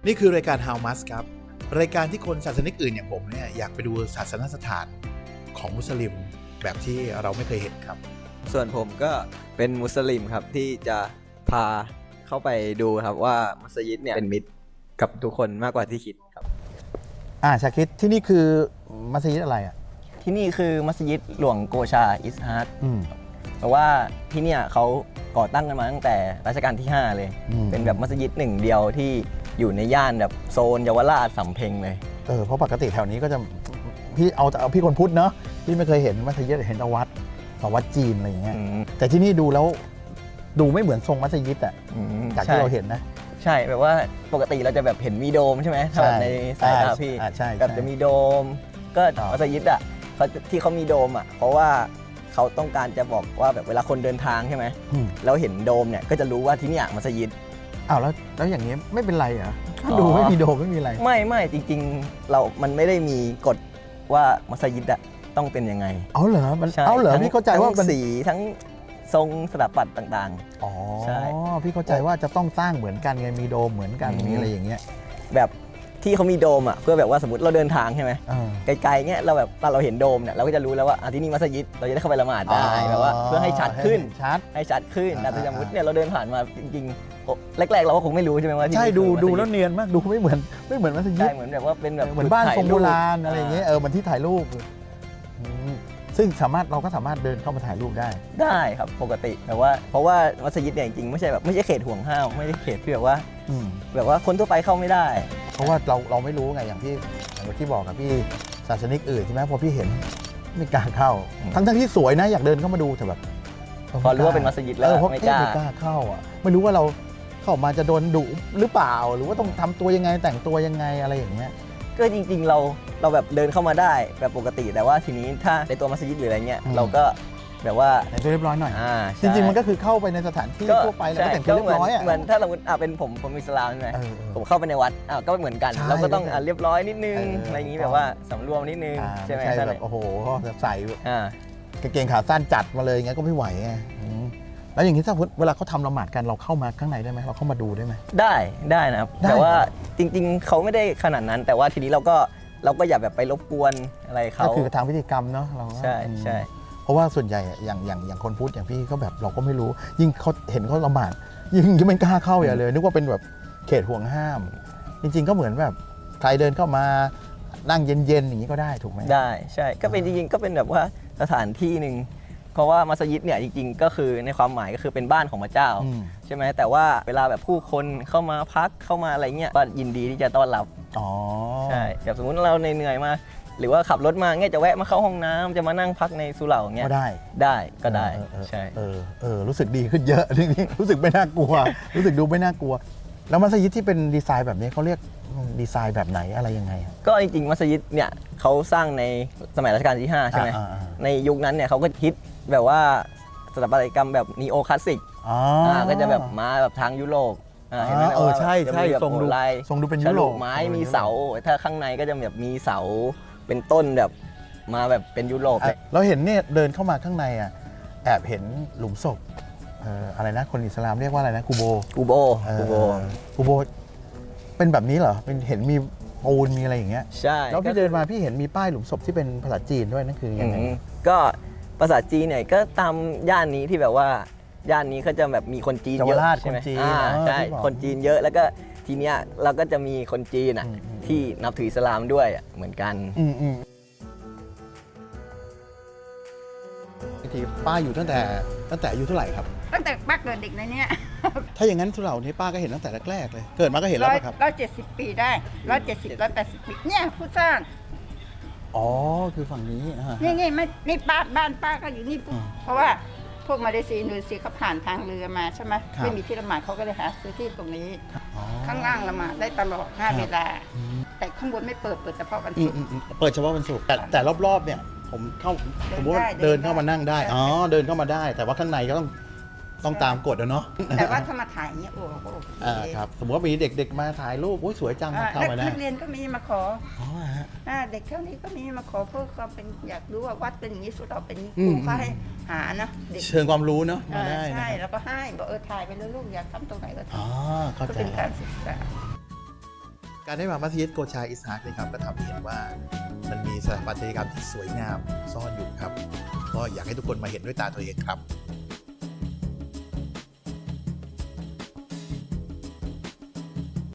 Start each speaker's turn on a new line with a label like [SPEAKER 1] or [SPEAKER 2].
[SPEAKER 1] นี่คือรายการ How Must ครับรายการที่คนศาสนิกอื่นอย่างผมเนี่ยอยากไปดูศาสนสถานของมุสลิมแบบที่เราไม่เคยเห็นครับ
[SPEAKER 2] ส่วนผมก็เป็นมุสลิมครับที่จะพาเข้าไปดูครับว่ามัสยิดเนี่ยเป็นมิตรกับทุกคนมากกว่าที่คิดครับ
[SPEAKER 1] ชาคิดที่นี่คือมัสยิดอะไรอ่ะ
[SPEAKER 3] ที่นี่คือมัสยิดหลวงโกชาอิสฮาร์ด
[SPEAKER 1] อืม
[SPEAKER 3] แต่ว่าที่เนี่ยเขาก่อตั้งกันมาตั้งแต่รัชกาลที่ 5 เลย
[SPEAKER 1] อืม
[SPEAKER 3] เป็นแบบมัสยิดหนึ่งเดียวที่อยู่ในย่านแบบโซนเยาวราชสำเพ็งเลย
[SPEAKER 1] เพราะปกติแถวนี้ก็จะพี่เอาพี่คนพุทธเนาะพี่ไม่เคยเห็นมัสยิดเห็นแต่วัดจีนอะไรอย่างเงี้ย
[SPEAKER 3] อืม
[SPEAKER 1] แต่ที่นี่ดูแล้วดูไม่เหมือนทรงมัสยิดอ่ะ
[SPEAKER 3] อืม
[SPEAKER 1] จากที่เราเห็นนะ
[SPEAKER 3] ใช่แบบว่าปกติเราจะแบบเห็นมีโดมใช่ไหมถ้าแบบในสายตาพี่
[SPEAKER 1] ใช่
[SPEAKER 3] แบบจะมีโดม ก็มัสยิดอ่ะเขาที่เขามีโดมอ่ะเพราะว่าเขาต้องการจะบอกว่าแบบเวลาคนเดินทางใช่ไหม
[SPEAKER 1] อืม
[SPEAKER 3] แล้วเห็นโดมเนี่ยก็จะรู้ว่าที่เนี่ยมัสยิด
[SPEAKER 1] อ้าวแล้วอย่างนี้ไม่เป็นไรเหรอถ้า
[SPEAKER 3] อ๋อ
[SPEAKER 1] ดูไม่มีโดมไม่มีอะไร
[SPEAKER 3] ไม่จริงๆมันไม่ได้มีกฎว่ามัสยิดอะต้องเป็นยังไง
[SPEAKER 1] เอาเหรอมัน
[SPEAKER 3] ใช่
[SPEAKER 1] เอาเหรอ
[SPEAKER 3] ทั้ง
[SPEAKER 1] พี่เข้าใจว่า
[SPEAKER 3] ทั้ง
[SPEAKER 1] มัน
[SPEAKER 3] สีทั้งทรงสถาปัตย์ต่าง
[SPEAKER 1] อ๋อ
[SPEAKER 3] ใช่
[SPEAKER 1] พี่เข้าใจว่าจะต้องสร้างเหมือนกันไงมีโดมเหมือนกัน
[SPEAKER 3] อืม
[SPEAKER 1] มีอะไรอย่างเงี้ย
[SPEAKER 3] ๆ แบบที่เขามีโดมอะเพื่อแบบว่าสมมติเราเดินทางใช่ไหม
[SPEAKER 1] เออ
[SPEAKER 3] ไกลๆเงี้ยเราแบบตอนเราเห็นโดมเนี่ยเราก็จะรู้แล้วว่าที่นี่มัสยิดเราจะได้เข้าไปละหมาดได้แบบว่าเพื่อให้ชัดขึ้น
[SPEAKER 1] ชัด
[SPEAKER 3] ให้ชัดขึ้น
[SPEAKER 1] อ่า
[SPEAKER 3] แต่สมมติเนี่ยเราเดินผ่านมาจริงๆโอ้แรกๆเราก็คงไม่รู้ใช่ไหมว่าที่
[SPEAKER 1] ใช่
[SPEAKER 3] นี่
[SPEAKER 1] ดู
[SPEAKER 3] คือมัสยิ
[SPEAKER 1] ดูแล้วเนียนมากดูไม่เหมือนมัสยิ
[SPEAKER 3] ใช่
[SPEAKER 1] ด
[SPEAKER 3] เหมือนแบบว่าเป็นแบบ
[SPEAKER 1] เหมือนบ้านทรงโบราณ
[SPEAKER 3] ถ่ย
[SPEAKER 1] อะไรอย่างเงี้ยเหมือนที่ถ่ายรูปอืมซึ่งเราก็สามารถเดินเข้ามาถ่ายรูปได้
[SPEAKER 3] ได้ครับปกติแต่ว่าเพราะว่ามัสยิดเนี่ยจริงๆไม่ใช่เขตห่วงห้ามไม่ได้เขตที่แบบว่า
[SPEAKER 1] อืม
[SPEAKER 3] แบบว่าคนทั่วไปเข้าไม่ได้
[SPEAKER 1] เพราะว่าเราไม่รู้ไงอย่างที่บอกกับพี่ศาสนิกอื่นใช่ไหมพอพี่เห็นไม่กล้าเข้า
[SPEAKER 3] อืม
[SPEAKER 1] ทั้งที่สวยนะอยากเดินเข้ามาดูแต่แบบ
[SPEAKER 3] พอรู้ว่าเป็นมัสยิดแล้ว
[SPEAKER 1] เพราะ
[SPEAKER 3] ไม่
[SPEAKER 1] ไม่
[SPEAKER 3] กล้า
[SPEAKER 1] กล้าเข้าอ่ะไม่รู้ว่าเราเข้ามาจะโดนดุหรือเปล่า หรือว่าต้องทำตัวยังไงแต่งตัวยังไงอะไรอย่างเงี้ย
[SPEAKER 3] ก็จริงๆเราแบบเดินเข้ามาได้แบบปกติ แต่ว่าทีนี้ถ้าในตัวมัสยิดหรืออะไรเงี้ย
[SPEAKER 1] อืม
[SPEAKER 3] เราก็แบบว่า
[SPEAKER 1] แต่งตัวเรียบร้อยหน่อย
[SPEAKER 3] ใช่
[SPEAKER 1] จริงๆมันก็คือเข้าไปในสถานที่ทั่วไปแล้วก็แต่งตัวเรียบร้อยอ่ะ
[SPEAKER 3] เหมือนถ้าสมมติเป็นผมอิสลามใช่ไหม
[SPEAKER 1] เออ
[SPEAKER 3] ผมเข้าไปในวัดก็เหมือนกัน
[SPEAKER 1] ใช่
[SPEAKER 3] เราก็ต้อง
[SPEAKER 1] แล้วแต่
[SPEAKER 3] เรียบร้อยนิดนึง
[SPEAKER 1] เอออ
[SPEAKER 3] อะไรอย่างนี้แบบว่าสำรวมนิดนึง
[SPEAKER 1] ๆ
[SPEAKER 3] ใช่ไหม
[SPEAKER 1] ไม่ใช่
[SPEAKER 3] ถ้า
[SPEAKER 1] แบบโอ้โหแบบใส่
[SPEAKER 3] อ่า
[SPEAKER 1] กางเกงขาสั้นจัดมาเลยอย่างเงี้ยก็ไม่ไหวไงแล้วอย่างนี้ถ้าเวลาเขาทำละหมาดกันเราเข้ามาข้างในได้ไหมเราเข้ามาดูได้ไหม
[SPEAKER 3] ได้นะครับ
[SPEAKER 1] ได้
[SPEAKER 3] แต่ว่าจริงๆเขาไม่ได้ขนาดนั้น แต่ว่าทีนี้เราก็อย่าแบบไปรบกวนอะไรเขา
[SPEAKER 1] ก็คือทางพิธีกรรมเนาะเราก็
[SPEAKER 3] ใช่ใช่
[SPEAKER 1] เพราะว่าส่วนใหญ่อะอย่างคนพุทธอย่างพี่ก็แบบเราก็ไม่รู้ ยิ่งเขาเห็นเขาละหมาดยิ่งไม่กล้าเข้าอย่าเลยนึกว่าเป็นแบบเขตห่วงห้าม จริง ๆ ก็เหมือนแบบใครเดินเข้ามานั่งเย็นๆอย่างนี้ก็ได้ถูกไหม
[SPEAKER 3] ได้ใช่ก็เป็นจริงๆก็เป็นแบบว่าสถานที่หนึ่งเพราะว่ามัสยิดเนี่ยจริงๆ ก็คือในความหมายก็คือเป็นบ้านของพระเจ้า
[SPEAKER 1] อืม
[SPEAKER 3] ใช่ไหมแต่ว่าเวลาแบบผู้คนเข้ามาพักเข้ามาอะไรเงี้ยก็ยินดีที่จะต้อนรับ
[SPEAKER 1] อ๋อ
[SPEAKER 3] ใช่แบบสมมติเราเหนื่อยๆมาหรือว่าขับรถมาเงี้ยจะแวะมาเข้าห้องน้ำจะมานั่งพักในสุเหร่าเงี้ย
[SPEAKER 1] ก็ได้
[SPEAKER 3] ก็ได้ ใช่
[SPEAKER 1] รู้สึกดีขึ้นเยอะ นี่รู้สึกไม่น่ากลัว รู้สึกดูไม่น่ากลัว แล้วมัสยิดที่เป็นดีไซน์แบบนี้เขาเรียกดีไซน์แบบไหนอะไรยังไงอะ
[SPEAKER 3] ก็จริงๆมัสยิดเนี่ยเขาสร้างในสมัยรัชกาลที่ 5 ใช่ไหม
[SPEAKER 1] อ่า
[SPEAKER 3] ในยุคนั้นเนี่ยเขาก็ฮิตแบบว่าสถาปัตยกรรมแบบนีโอคลาสสิก
[SPEAKER 1] อ๋อ
[SPEAKER 3] ก็จะแบบมาแบบทางยุโรปเห็นไหม
[SPEAKER 1] ใช่
[SPEAKER 3] ว่าแบบ
[SPEAKER 1] ทรงดู
[SPEAKER 3] ลาย
[SPEAKER 1] ทรงดูเป็น
[SPEAKER 3] ฉ
[SPEAKER 1] ยุโร
[SPEAKER 3] ลุ
[SPEAKER 1] ป
[SPEAKER 3] ไม้มีเสา ถ้าข้างในก็จะแบบมีเสาเป็นต้นแบบมาแบบเป็นยุโรปเลย
[SPEAKER 1] เราเห็นเนี่ยเดินเข้ามาข้างในอ่ะแอบเห็นหลุมศพอะไรนะคนอิสลามเรียกว่าอะไรนะกูโบ
[SPEAKER 3] กูโบ
[SPEAKER 1] กูโบเป็นแบบนี้เหรอเป็นเห็นมีปูนมีอะไรอย่างเงี้ย
[SPEAKER 3] ใช่
[SPEAKER 1] แล้วพี่เดินมาพี่เห็นมีป้ายหลุมศพที่เป็นภาษาจีนด้วยนั่นคือยังไง
[SPEAKER 3] ก็ภาษาจีนเนี่ยก็ตามย่านนี้ที่แบบว่าย่านนี้เขาจะแบบมีคนจีนเย
[SPEAKER 1] เยาวราช
[SPEAKER 3] อะใช่ไหม
[SPEAKER 1] คนจีน
[SPEAKER 3] ใช่
[SPEAKER 1] ที่บอก
[SPEAKER 3] คนจีนเยอะแล้วก็ทีเนี้ยเราก็จะมีคนจีนอ่ะ
[SPEAKER 1] อืม
[SPEAKER 3] ที่นับถืออิสลามด้วยเหมือนกัน
[SPEAKER 1] บางทีป้าอยู่ตั้งแต่อายุเท่าไหร่ครับ
[SPEAKER 4] ตั้งแต่ป้าเกิดเด็กในเนี้ย
[SPEAKER 1] ถ้าอย่างนั้นสุเหร่านี้ป้าก็เห็นตั้งแต่แรกๆเลย เกิดมาก็เห็นแล้วป่ะครับ
[SPEAKER 4] 170 ปีได้ 170 180 ปีเนี่ยผู้สร้าง
[SPEAKER 1] อ๋อคือฝั่งนี้อ่า
[SPEAKER 4] นี่ไม่นี่บ้านป้าก็อยู่นี่
[SPEAKER 1] อืม
[SPEAKER 4] เพราะว่าพวกมาเลเซียอินโดนีเซียเขาผ่านทางเรือมาใช่ไหม
[SPEAKER 1] ครับ
[SPEAKER 4] ไม่มีที่ละหมาดเขาก็เลยหาซื้อที่ตรงนี้
[SPEAKER 1] อ๋อ
[SPEAKER 4] ข้างล่างละหมาดได้ตลอด
[SPEAKER 1] ครับ
[SPEAKER 4] 5 เวลา
[SPEAKER 1] อืม
[SPEAKER 4] แต่ข้างบนไม่เปิดเฉพาะวัน
[SPEAKER 1] อื
[SPEAKER 4] ศุ
[SPEAKER 1] ม
[SPEAKER 4] กร์
[SPEAKER 1] เปิดเฉพาะวันศุกร์แต่รอบๆเนี่ยผมเข้า
[SPEAKER 4] เดิน
[SPEAKER 1] สมมติว่า
[SPEAKER 4] ได้
[SPEAKER 1] เดินเข้ามานั่งได้
[SPEAKER 4] ได้
[SPEAKER 1] อ๋อเดินเข้ามาได้ แต่ว่าข้างในก็ต้องตามกฎอะเนาะ
[SPEAKER 4] แต่ว่าถ้ามาถ่ายอย่างเงี้ยโอ้โหโอเค
[SPEAKER 1] ครับสมมติว่ามีเด็กๆมาถ่ายรูปโอ้ยสวยจัง เข้ามาได้
[SPEAKER 4] นักเรียนก็มีมาขอ
[SPEAKER 1] อ๋อฮะ
[SPEAKER 4] เด็กเท่านี้ก็มีมาขอเพื่อความเป็นอยากรู้ว่าวัดเป็นอย่างนี้สุดเราเป็นอย่างนี้
[SPEAKER 1] อื
[SPEAKER 4] ค
[SPEAKER 1] ม
[SPEAKER 4] รูก็ให้หานะเด็ก
[SPEAKER 1] เชิงความรู้เนาะมาได้นะ
[SPEAKER 4] ใช่
[SPEAKER 1] ครับ
[SPEAKER 4] แล้วก็ให้บอกถ่ายไปเลยลูกอยากทำตรงไหนก็ท
[SPEAKER 1] อ๋อเข้า
[SPEAKER 4] ำก็
[SPEAKER 1] ใจ
[SPEAKER 4] เป็นการศึกษา
[SPEAKER 1] การได้มามัสยิดโกชาอิสฮากนี่ครับก็ทำให้เห็นว่ามันมีสถาปัตยกรรมที่สวยงามซ่อนอยู่ครับก็อยากให้ทุกคนมาเห็นด้วยตาตัวเองครับ